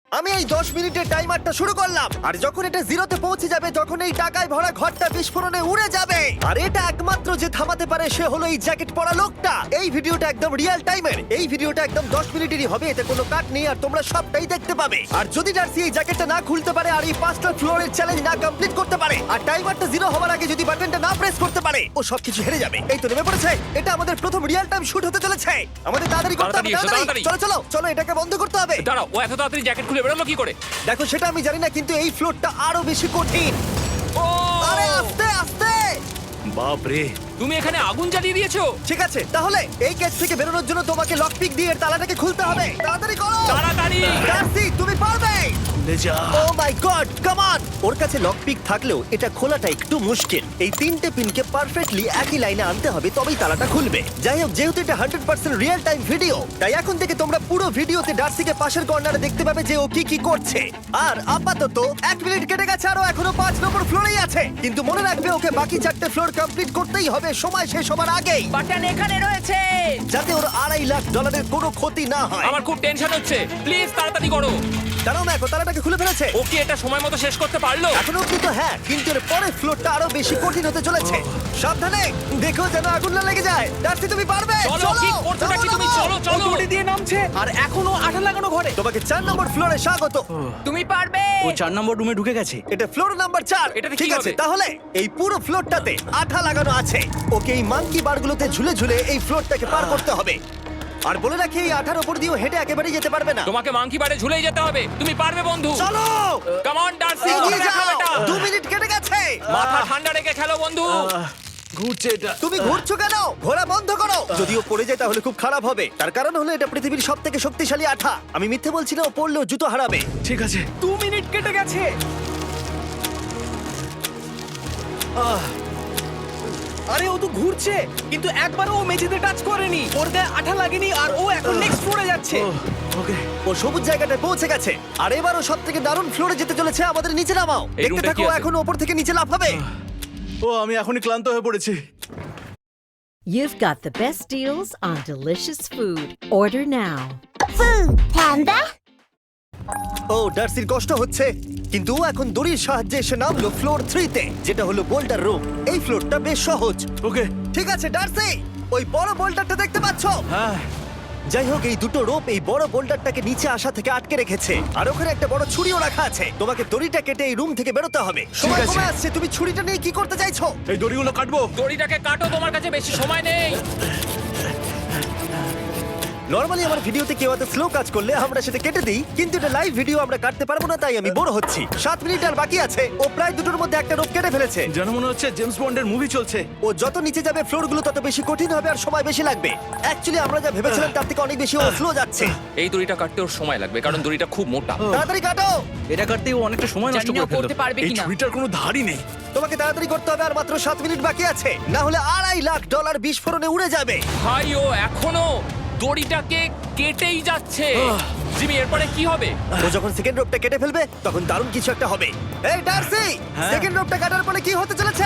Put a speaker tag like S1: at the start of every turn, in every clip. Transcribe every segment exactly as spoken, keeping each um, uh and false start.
S1: আমি এই দশ মিনিটের টাইমারটা শুরু করলাম, আর যখন এটা জিরোতে পৌঁছে যাবে তখন এই টাকায় ভরা ঘরটা বিস্ফোরণে উড়ে যাবে। আর এটা একমাত্র যে থামাতে পারে সে হলো এই জ্যাকেট পরা লোকটা। এই ভিডিওটা একদম রিয়েল টাইমের, এই ভিডিওটা একদম দশ মিনিটেরই হবে, এতে কোনো কাট নেই আর তোমরা সবটাই দেখতে পাবে। আর যদি ডার্সি এই জ্যাকেটটা না খুলতে পারে আর এই পাঁচটা ফ্লোরের চ্যালেঞ্জ না কমপ্লিট করতে পারে আর টাইমারটা জিরো হওয়ার আগে যদি বাটনটা না প্রেস করতে পারে, ও সবকিছু হেরে যাবে। এই তো নেমে পড়েছে, এটা আমাদের প্রথম রিয়েল টাইম শুট হতে চলেছে। আমাদের তাড়াতাড়ি করতে হবে,
S2: তাড়াতাড়ি এসো,
S1: তাড়াতাড়ি।
S2: তাড়াতাড়ি।
S1: চলো চলো চলো, এটাকে বন্ধ করতে হবে।
S2: দাঁড়াও, ও এত তাড়াতাড়ি জ্যাকেট খুলে বেরোলো কি করে?
S1: দেখো সেটা আমি জানি না, কিন্তু এই ফ্লোরটা আরো বেশি কঠিন।
S2: ও
S1: আরে আস্তে আস্তে।
S3: বাপ রে,
S2: তুমি এখানে আগুন জ্বালিয়ে দিয়েছো?
S1: ঠিক আছে, তাহলে এই কেস থেকে বেরোনোর জন্য তোমাকে লক পিক দিয়ে এর তালাটাকে খুলতে হবে। তাড়াতাড়ি করো
S2: তাড়াতাড়ি।
S1: ডার্সি, তুমি পারবে।
S3: লে যা।
S1: ও মাই গড, কাম অন। ওর কাছে লক পিক থাকলেও এটা খোলাটা একটু মুশকিল। এই তিনটে পিনকে পারফেক্টলি একই লাইনে আনতে হবে, তবেই তালাটা খুলবে। যাই হোক, যেহেতু এটা hundred percent real time video, তাই এখন থেকে তোমরা পুরো ভিডিওতে ডার্সিকে পাশের কর্নারে দেখতে পাবে যে ও কি কি করছে। আর আপাতত এক মিনিট কেটে গেছে, আরো এখনো পাঁচ নম্বর ফ্লোরেই আছে। কিন্তু মনে রাখবে, ওকে বাকি চারটে ফ্লোর কমপ্লিট করতেই হবে সময় শেষ হবার আগেই,
S4: বাটন এখানে রয়েছে।
S1: যাতে ওর আড়াই লাখ ডলারের কোনো ক্ষতি না হয়।
S2: আমার খুব টেনশন হচ্ছে, প্লিজ তাড়াতাড়ি করো।
S1: দাঁড়াও, দেখো তালাটাকে খুলে ফেলেছে।
S2: ও কি এটা সময় মতো শেষ করতে পারলো?
S1: এখনো অব্দি তো হ্যাঁ, কিন্তু এর পরের ফ্লোরটা আরো বেশি কঠিন হতে চলেছে। সাবধানে, দেখো যেন আগুন না লেগে যায়। ডার্সি, তুমি পারবে।
S2: চলো, কি করছো নাকি তুমি? চলো চলো।
S4: দড়ি দিয়ে নামছে আর এখনো আঠা লাগানো ঘরে।
S1: তোমাকে চার নম্বর ফ্লোরে স্বাগত।
S4: তুমি পারবে।
S3: ও চার নম্বর রুমে ঢুকে গেছে।
S1: এটা ফ্লোর নাম্বার চার।
S2: এটাতে কি
S1: ঠিক আছে,
S2: হবে?
S1: তাহলে এই পুরো ফ্লোরটাতে আঠা লাগানো আছে। ওকে এই মাঙ্কি বারগুলোতে ঝুলে ঝুলে এই ফ্লোরটাকে পার করতে হবে। আর বলে রাখি, এই আঠার উপর দিয়েও হেঁটে একেবারেই যেতে পারবে না।
S2: তোমাকে মাংকি বারে ঝুলেই যেতে হবে। তুমি পারবে বন্ধু।
S1: চলো,
S2: কাম অন ডার্সি,
S1: এগিয়ে
S2: করে দেখাও
S1: যাও।
S2: এটা।
S1: দু মিনিট কেটে গেছে।
S2: মাথা ঠান্ডা রেখে খেলো বন্ধু।
S3: আহ, ঘুরছে এটা।
S1: তুমি ঘুরছো কেন? ঘোরা বন্ধ করো। যদিও পড়ে যায় তাহলে খুব খারাপ হবে। তার কারণ হলো এটা পৃথিবীর সব থেকে শক্তিশালী আঠা। আমি মিথ্যে বলছি না, ও পড়লেও জুতো হারাবে।
S3: ঠিক আছে।
S4: দু মিনিট কেটে গেছে।
S3: আহ,
S4: আরে ও তো ঘুরছে, কিন্তু একবারও ও মেঝেতে টাচ করেনি। ওর গায়ে আঠা লাগেনি আর ও এখন নেক্সট ফ্লোরে যাচ্ছে।
S3: ও, ওকে।
S1: ও সবুজ জায়গাটায় পৌঁছে গেছে। আর এবারও সব থেকে দারুণ ফ্লোরে যেতে চলেছে। আমাদের নিচে নামাও।
S2: এই
S1: দেখতে
S2: রুমটা
S1: থাকো,
S2: কি আছে?
S1: এখন ওপর থেকে নিচে লাফাবে।
S3: ও, আমি এখনই ক্লান্ত হয়ে পড়েছি।
S5: You've got the best deals on delicious food. Order now.
S6: Food Panda.
S1: ও, ডার্সির কষ্ট হচ্ছে, কিন্তু ও এখন দড়ির সাহায্যে এসে নামলো ফ্লোর থ্রিতে, যেটা হলো বোল্ডার রুম। এই ফ্লোরটা বেশ সহজ।
S3: ওকে।
S1: ঠিক আছে ডার্সি, ওই বড় বোল্ডারটা দেখতে পাচ্ছো?
S3: হ্যাঁ।
S1: যাই হোক, এই দুটো রোপ এই বড় বোল্ডারটাকে নিচে আসা থেকে আটকে রেখেছে। আর ওখানে একটা বড় ছুরিও রাখা আছে। তোমাকে দড়িটা কেটে এই রুম থেকে বেরোতে হবে। সময়
S3: আছে।
S1: কমে আসছে, তুমি ছুরিটা নিয়ে কি করতে চাইছো?
S3: এই দড়িগুলো কাটবো।
S2: দড়িটাকে কাটো, তোমার কাছে বেশি সময় নেই।
S1: নরমালি আমার ভিডিওতে কেউ এত স্লো কাজ করলে আমরা সেটা কেটে দিই, কিন্তু এটা লাইভ ভিডিও আমরা কাটতে পারবো না, তাই আমি বড় হচ্ছি। সাত মিনিট আর বাকি আছে। ও প্রায় দুটোর মধ্যে একটা রোপ কেটে ফেলেছে।
S3: যেন মনে হচ্ছে জেমস বন্ডের মুভি চলছে।
S1: ও যত নিচে যাবে ফ্লোরগুলো তত বেশি কঠিন হবে আর সময় বেশি লাগবে। অ্যাকচুয়ালি আমরা যা ভেবেছিলাম তার থেকে অনেক বেশি ও স্লো যাচ্ছে।
S2: এই দড়িটা কাটতে ওর সময় লাগবে, কারণ দড়িটা খুব মোটা।
S1: তাড়াতাড়ি কাটো।
S3: এটা কাটতেই ও অনেকটা সময় নষ্ট
S4: জানি না
S3: করে ফেললো।
S4: করতে পারবে
S3: এই
S4: কিনা।
S3: ছুরিটার কোনো ধারই নেই।
S1: তোমাকে তাড়াতাড়ি করতে হবে, আর মাত্র সাত মিনিট বাকি আছে, না হলে আড়াই লাখ ডলার বিস্ফোরণে উড়ে যাবে।
S2: ভাই, ও এখনো দড়িটাকে কেটেই যাচ্ছে। জিমি, এরপরে কি হবে?
S1: ও যখন সেকেন্ড রোপটা কেটে ফেলবে তখন দারুণ কিছু একটা হবে। এই ডার্সি,
S3: হ্যাঁ?
S1: সেকেন্ড রোপটা কাটার পরে কি হতে চলেছে?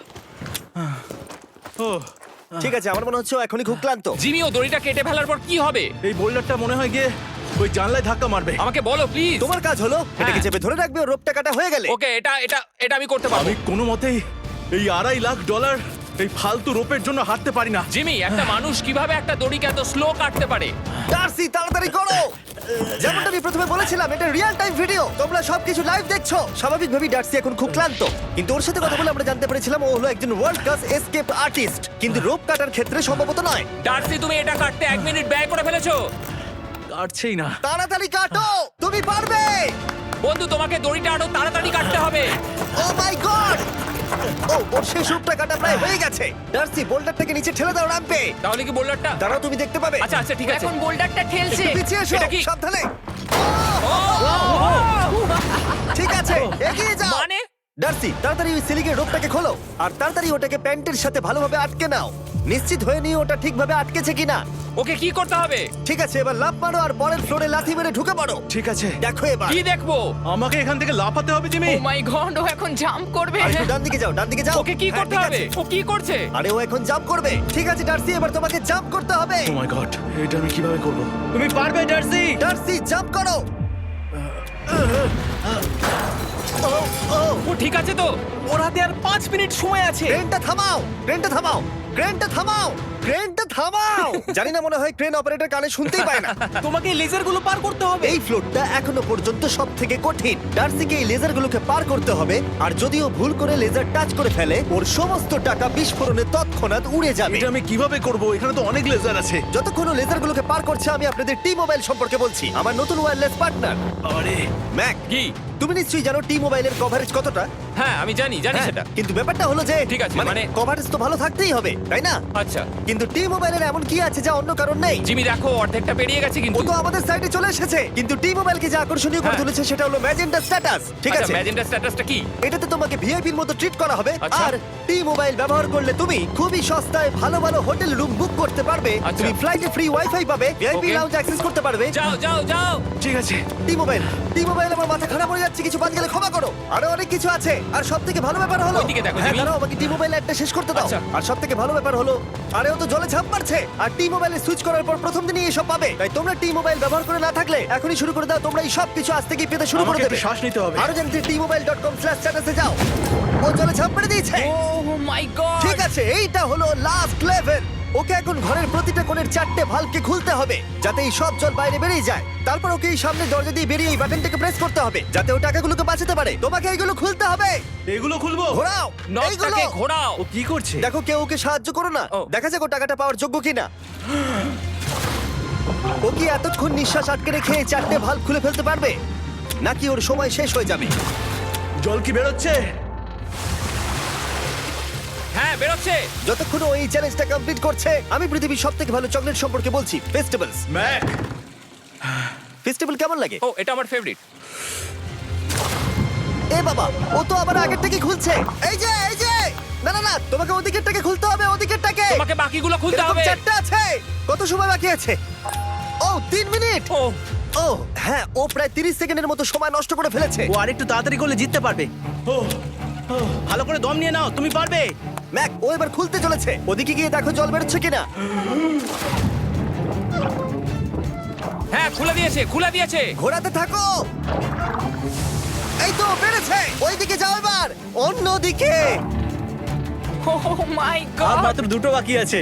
S3: ও,
S1: ঠিক আছে, আমার মনে হচ্ছে ও এখনই খুব ক্লান্ত।
S2: জিমি, ও দড়িটা কেটে ফেলার পর কি হবে?
S3: এই বোল্ডারটা মনে হয় গিয়ে ওই জানলায় ধাক্কা মারবে।
S2: আমাকে বলো প্লিজ।
S1: তোমার কাজ হলো এটাকে চেপে ধরে রাখবে, ও রোপটা কাটা হয়ে গেলে।
S2: ওকে, এটা এটা এটা আমি করতে পারবো।
S3: আমি কোনো মতেই এই আড়াই লাখ ডলার এই ফালতু রোপের জন্য হাঁটতে পারি না।
S2: জিমি, একটা মানুষ কিভাবে একটা দড়িকে এত স্লো কাটতে পারে?
S1: ডার্সি, তাড়াতাড়ি করো। যেমনটা আমি প্রথমে বলেছিলাম, এটা রিয়েল টাইম ভিডিও, তোমরা সবকিছু লাইভ দেখছো। স্বাভাবিকভাবেই ডার্সি এখন খুব ক্লান্ত, কিন্তু ওর সাথে কথা বলে আমরা জানতে পেরেছিলাম ও হলো একজন ওয়ার্ল্ড ক্লাস এসকেপ আর্টিস্ট, কিন্তু রোপ কাটার ক্ষেত্রে সম্ভবত নয়।
S2: ডার্সি, তুমি এটা কাটতে এক মিনিট ব্যয় করে ফেলেছো।
S3: কাটছেই না।
S1: তাড়াতাড়ি কাটো, তুমি পারবে।
S2: বন্ধু, তোমাকে দড়িটা আরো তাড়াতাড়ি কাটতে হবে।
S1: ও মাই গড! ও, ওর শেষ রূপটা কাটা প্রায় হয়ে গেছে। ডার্সি, বোল্ডারটাকে নিচে ঠেলে দাও রাম্পে।
S2: তাহলে কি বোল্ডারটা?
S1: দাঁড়াও, তুমি দেখতে পাবে।
S2: আচ্ছা আচ্ছা, ঠিক আছে।
S4: এখন বোল্ডারটা ঠেলছে।
S1: একটু পিছিয়ে এসো,
S2: এটা কি?
S1: সাবধানে। ঠিক আছে, এগিয়ে যাও।
S2: মানে?
S1: ডার্সি, তাড়াতাড়ি ওই সিলিংয়ের রোপটাকে খোলো আর তাড়াতাড়ি ওটাকে প্যান্টের সাথে ভালোভাবে আটকে নাও। নিশ্চিত হয়ে নিও ওটা ঠিকভাবে আটকেছে কিনা।
S2: ওকে কি করতে হবে?
S1: ঠিক আছে, এবার লাফ মারো আর পরের ফ্লোরে লাথি মেরে ঢুকে পড়ো।
S3: ঠিক আছে।
S1: দেখো এবার।
S2: কি দেখবো?
S3: আমাকে এখান থেকে লাফাতে হবে জিমি।
S4: ও মাই গড, ও এখন জাম্প করবে।
S1: আর একটু ডান দিকে যাও, ডান দিকে যাও।
S2: ওকে কি
S1: হ্যাঁ,
S2: করতে
S1: ঠিক
S2: হবে?
S1: আছে।
S2: ও কি করছে?
S1: আরে ও এখন জাম্প করবে। ঠিক আছে ডার্সি, এবার তোমাকে জাম্প করতে হবে।
S3: ও মাই গড, এটা আমি কিভাবে করব?
S4: তুমি পারবে ডার্সি।
S1: ডার্সি, জাম্প করো।
S2: ও ঠিক আছে তো?
S4: ওর হাতে আর পাঁচ মিনিট সময় আছে।
S1: ক্রেনটা থামাও ক্রেনটা থামাও ক্রেনটা থামাও ক্রেনটা থামাও জানি না, মনে হয় ক্রেন অপারেটর কানে শুনতেই পায় না।
S4: তোমাকে লেজার গুলো পার করতে হবে।
S1: এই ফ্লোরটা এখনো পর্যন্ত সব থেকে কঠিন। ডার্সিকে এই লেজারগুলোকে পার করতে হবে, আর যদিও ভুল করে লেজার টাচ করে ফেলে ওর সমস্ত টাকা বিস্ফোরণে তৎক্ষণাৎ উড়ে যাবে।
S3: এটা আমি কিভাবে করব? এখানে তো অনেক লেজার আছে।
S1: যতক্ষণ ও লেজারগুলোকে পার করছে আমি আপনাদের টি মোবাইল সম্পর্কে বলছি, আমার নতুন ওয়্যারলেস পার্টনার।
S3: আরে
S1: ম্যাক,
S2: কি?
S1: তুমি নিশ্চয়ই জানো টি মোবাইলের কভারেজ কতটা?
S2: হ্যাঁ আমি জানি জানি
S1: হ্যাঁ,
S2: সেটা।
S1: কিন্তু ব্যাপারটা হলো যে
S2: ঠিক আছে,
S1: মানে
S2: মানে-
S1: কভারেজ তো ভালো থাকতেই হবে, তাই না?
S2: আচ্ছা
S1: কিন্তু টি মোবাইলের এমন কি আছে যা অন্য কারণ নেই?
S2: জিমি দেখো অর্ধেকটা পেরিয়ে গেছে
S1: ও
S2: কিন্তু।
S1: তো আমাদের সাইডে চলে এসেছে, কিন্তু টি মোবাইলকে যে আকর্ষণীয় করে
S2: হ্যাঁ।
S1: তুলেছে সেটা হলো ম্যাজেন্টা স্ট্যাটাস। ঠিক আছে,
S2: ম্যাজেন্টা স্ট্যাটাসটা কি?
S1: এটাতে তোমাকে ভিআইপির মতো ট্রিট করা হবে।
S2: আচ্ছা।
S1: আর টি মোবাইল ব্যবহার করলে তুমি খুবই সস্তায় ভালো ভালো হোটেল রুম বুক করতে পারবে।
S2: আচ্ছা।
S1: তুমি ফ্লাইটে ফ্রি ওয়াইফাই পাবে, ভিআইপি
S2: Okay.
S1: লাউঞ্জ অ্যাক্সেস করতে পারবে।
S2: যাও যাও যাও।
S3: ঠিক আছে।
S1: টি মোবাইল টি মোবাইল আমার মাথা খারাপ হয়ে যাচ্ছে, কিছু বাদ গেলে ক্ষমা করো। আরো অনেক কিছু আছে, আর সব থেকে ভালো ব্যাপার হলো
S2: ওইদিকে দেখো,
S1: হ্যাঁ
S2: জিমি।
S1: দাঁড়াও, আমাকে টি মোবাইল একটা শেষ করতে দাও।
S2: আচ্ছা।
S1: আর সব থেকে ভালো ব্যাপার হলো আরে ও তো জলে ঝাঁপ মারছে, আর টি মোবাইলে সুইচ করার পর প্রথম দিনই এসব পাবে। তাই তোমরা টি মোবাইল ব্যবহার করে না থাকলে এখনই শুরু করে দাও। তোমরা এই সব কিছু আজ থেকেই পেতে শুরু করে
S3: আমাকে
S1: দেবে।
S3: একটু শ্বাস নিতে হবে।
S1: আরো জানতে T mobile dot com slash স্ট্যাটাসে যাও। ও জলে ঝাঁপ মেরে দিয়েছে।
S2: Oh my god.
S1: ঠিক আছে, এইটা হলো লাস্ট লেভেল। ওকে এখন ঘরের প্রতিটা কোণের চারটে ভালভকে খুলতে হবে যাতে এই সব জল বাইরে বেরিয়ে যায়। তারপর ওকে এই সামনে দরজা দিয়ে বেরিয়ে এই বাটনটাকে প্রেস করতে হবে যাতে ও টাকাগুলোকে বাঁচাতে পারে। তোমাকে এইগুলো খুলতে হবে।
S3: এগুলো খুলবো?
S1: ঘোরাও এইগুলো।
S2: নটটাকে ঘোরাও।
S3: ও কি করছে?
S1: দেখো কেউ ওকে সাহায্য করো না,
S2: ও।
S1: দেখা যাক ও টাকাটা পাওয়ার যোগ্য কিনা। ও কি এতক্ষণ নিঃশ্বাস আটকে রেখে এই চারটে ভালভ খুলে ফেলতে পারবে, নাকি ওর সময় শেষ হয়ে যাবে?
S3: জল কি বেরোচ্ছে?
S2: হ্যাঁ বেরোচ্ছে।
S1: যতক্ষণ ও এই চ্যালেঞ্জটা কমপ্লিট করছে আমি পৃথিবীর সব থেকে ভালো চকলেট সম্পর্কে বলছি, ফেস্টিভ্যালস।
S3: ম্যাক,
S1: ফেস্টিভ্যাল কেমন লাগে?
S2: ও এটা আমার ফেভারিট।
S1: এ বাবা, ও তো আবার আগের থেকে খুলছে। এই যে এই যে না না না, তোমাকে ওদিকেরটাকে খুলতে হবে, ওদিকেরটাকে।
S2: তোমাকে বাকিগুলো খুলতে
S1: এরকম
S2: হবে।
S1: চারটে আছে। কত সময় বাকি আছে? ও তিন মিনিট।
S2: ও
S1: ও হ্যাঁ, ও প্রায় তিরিশ সেকেন্ডের মতো সময় নষ্ট করে ফেলেছে।
S4: ও আরেকটু তাড়াতাড়ি করলে জিততে পারবে।
S3: ও
S4: ভালো করে দম নিয়ে নাও, তুমি পারবে।
S1: ম্যাক, ও এবার খুলতে চলেছে। ওদিকে গিয়ে দেখো জল বেরোচ্ছে কিনা।
S2: হ্যাঁ খুলে দিয়েছে খুলে দিয়েছে।
S1: ঘোরাতে থাকো। এই তো বেড়েছে। ওইদিকে যাও এবার, অন্যদিকে।
S2: ও মাই
S4: আর
S2: গড।
S4: মাত্র দুটো বাকি আছে।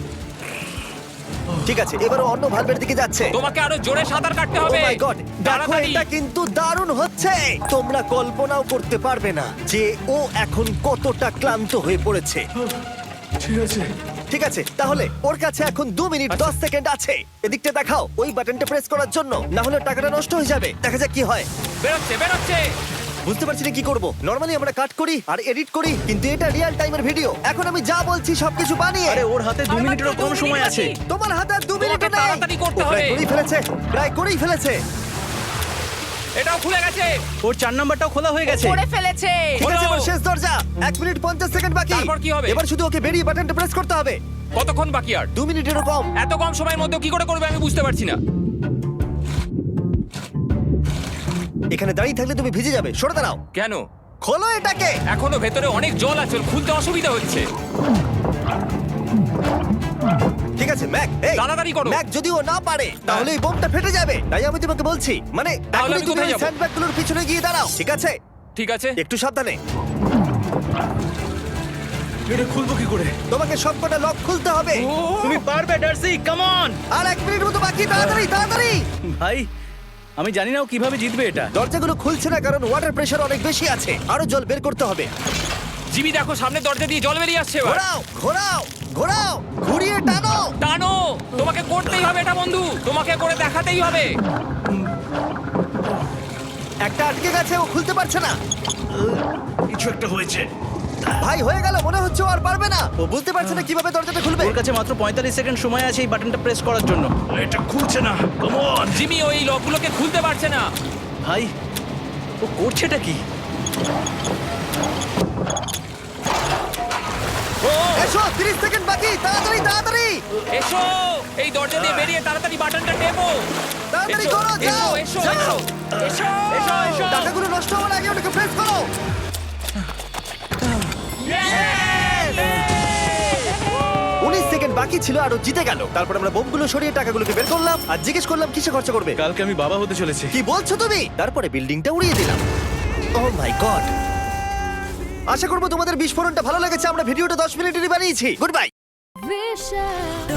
S1: ঠিক আছে, এবার ও অন্য ভালভের দিকে যাচ্ছে।
S2: তোমাকে আরো জোরে সাঁতার কাটতে
S1: ও
S2: হবে।
S1: মাই গড, দেখো
S2: তাড়াতাড়ি।
S1: এটা কিন্তু দারুণ হচ্ছে। তোমরা কল্পনাও করতে পারবে না যে ও এখন কতটা ক্লান্ত হয়ে পড়েছে।
S3: ঠিক আছে।
S1: ঠিক আছে, তাহলে ওর কাছে এখন দু মিনিট দশ সেকেন্ড আছে। এদিকটা দেখাও ওই বাটনটা প্রেস করার জন্য, না হলে টাকাটা নষ্ট হয়ে যাবে। দেখা যাক কি হয়।
S2: বেরোচ্ছে বেরোচ্ছে।
S1: বুঝতে পারছি না কি করব। নরমালি আমরা কাট করি আর এডিট করি, কিন্তু এটা রিয়েল টাইমের ভিডিও। এখন আমি যা বলছি সবকিছু বানিয়ে।
S4: আরে ওর হাতে দু
S2: আর
S4: মিনিটেরও
S2: মাত্র দু
S4: কম
S2: মিনিট
S4: সময় আছে।
S2: বাকি।
S1: তোমার হাতে আর দু মিনিট
S2: তোমাকে তাড়াতাড়ি করতে
S1: প্রায়
S2: হবে।
S1: করেই ফেলেছে, প্রায় করেই ফেলেছে।
S2: এটাও খুলে গেছে।
S4: ওর চার নাম্বারটাও খোলা হয়ে গেছে।
S2: করে ফেলেছে।
S1: ঠিক আছে,
S2: খোলো।
S1: এবার শেষ দরজা। এক মিনিট পঞ্চাশ সেকেন্ড বাকি।
S2: তারপর কি হবে?
S1: এবার শুধু ওকে বেরিয়ে বাটনটা প্রেস করতে হবে।
S2: কতক্ষণ বাকি আর?
S1: দু মিনিটেরও কম।
S2: এত কম সময়ের মধ্যে কি করে করবে আমি বুঝতে পারছি না।
S1: এখানে দাঁড়িয়ে থাকলে তুমি ভিজে যাবে, সরে দাঁড়াও।
S2: কেন?
S1: খোলো এটাকে।
S2: এখনো ভেতরে অনেক জল আছে, ওর খুলতে অসুবিধা হচ্ছে।
S1: ঠিক আছে ম্যাক, এই
S2: তাড়াতাড়ি করো।
S1: ম্যাক, যদি ও না পারে তাহলে এই বোমটা ফেটে যাবে। তাই আমি তোমাকে বলছি, মানে
S2: তাহলে
S1: এখনই
S2: আমি
S1: তুমি
S2: কোথায়
S1: ওই
S2: যাবো?
S1: স্যান্ডব্যাগগুলোর পিছনে গিয়ে দাঁড়াও, ঠিক আছে?
S2: ঠিক আছে।
S1: একটু সাবধানে।
S3: এটা খুলবো কি করে?
S1: তোমাকে সবকটা লক খুলতে হবে।
S4: তুমি পারবে ডার্সি, কাম অন।
S1: আর এক মিনিট মতো বাকি, তাড়াতাড়ি তাড়াতাড়ি।
S4: ভাই আমি জানি না ও কিভাবে জিতবে এটা।
S1: দরজাগুলো খুলছে না কারণ ওয়াটার প্রেশার অনেক বেশি আছে। আরো জল বের করতে হবে।
S2: জিমি দেখো সামনে দরজা দিয়ে জল বেরিয়ে আসছে এবার।
S1: ঘোরাও ঘোরাও ঘোরাও, ঘুরিয়ে টানো।
S2: টানো। তোমাকে করতেই হবে এটা বন্ধু, তোমাকে করে দেখাতেই হবে।
S1: একটা আটকে গেছে, ও খুলতে পারছে না।
S3: কিছু একটা হয়েছে।
S1: ভাই হয়ে গেল, মনে হচ্ছে ও আর পারবে না। ও বুঝতে পারছে না কিভাবে দরজাটা খুলবে।
S4: ওর কাছে মাত্র পঁয়তাল্লিশ সেকেন্ড সময় আছে এই বাটনটা প্রেস করার জন্য।
S3: এটা খুলছে না। Come on.
S2: জিমি ওই লকগুলোকে খুলতে পারছে না।
S4: ভাই ও করছেটা কি?
S2: ও
S1: এসো, তিরিশ সেকেন্ড বাকি, তাড়াতাড়ি তাড়াতাড়ি
S2: এসো, এই দরজা দিয়ে বেরিয়ে তাড়াতাড়ি বাটনটা টেপো।
S1: তাড়াতাড়ি
S2: এসো,
S1: করো, যাও
S2: এসো, এসো,
S1: যাও।
S2: এসো, এসো, এসো।
S1: টাকাগুলো নষ্ট হওয়ার আগে ওটাকে প্রেস করো। উনিশ সেকেন্ড বাকি ছিল আর ও জিতে গেল। তারপর আমরা বোমগুলো সরিয়ে টাকাগুলোকে বের করলাম আর জিজ্ঞেস করলাম কিসে খরচা করবে।
S3: কালকে আমি বাবা হতে চলেছি।
S1: কি বলছো তুমি? তারপরে বিল্ডিংটা উড়িয়ে দিলাম। ও মাই গড, আশা করবো তোমাদের বিস্ফোরণটা ভালো লেগেছে। আমরা ভিডিওটা দশ মিনিটেরই বানিয়েছি। Good bye.
S5: Vicious.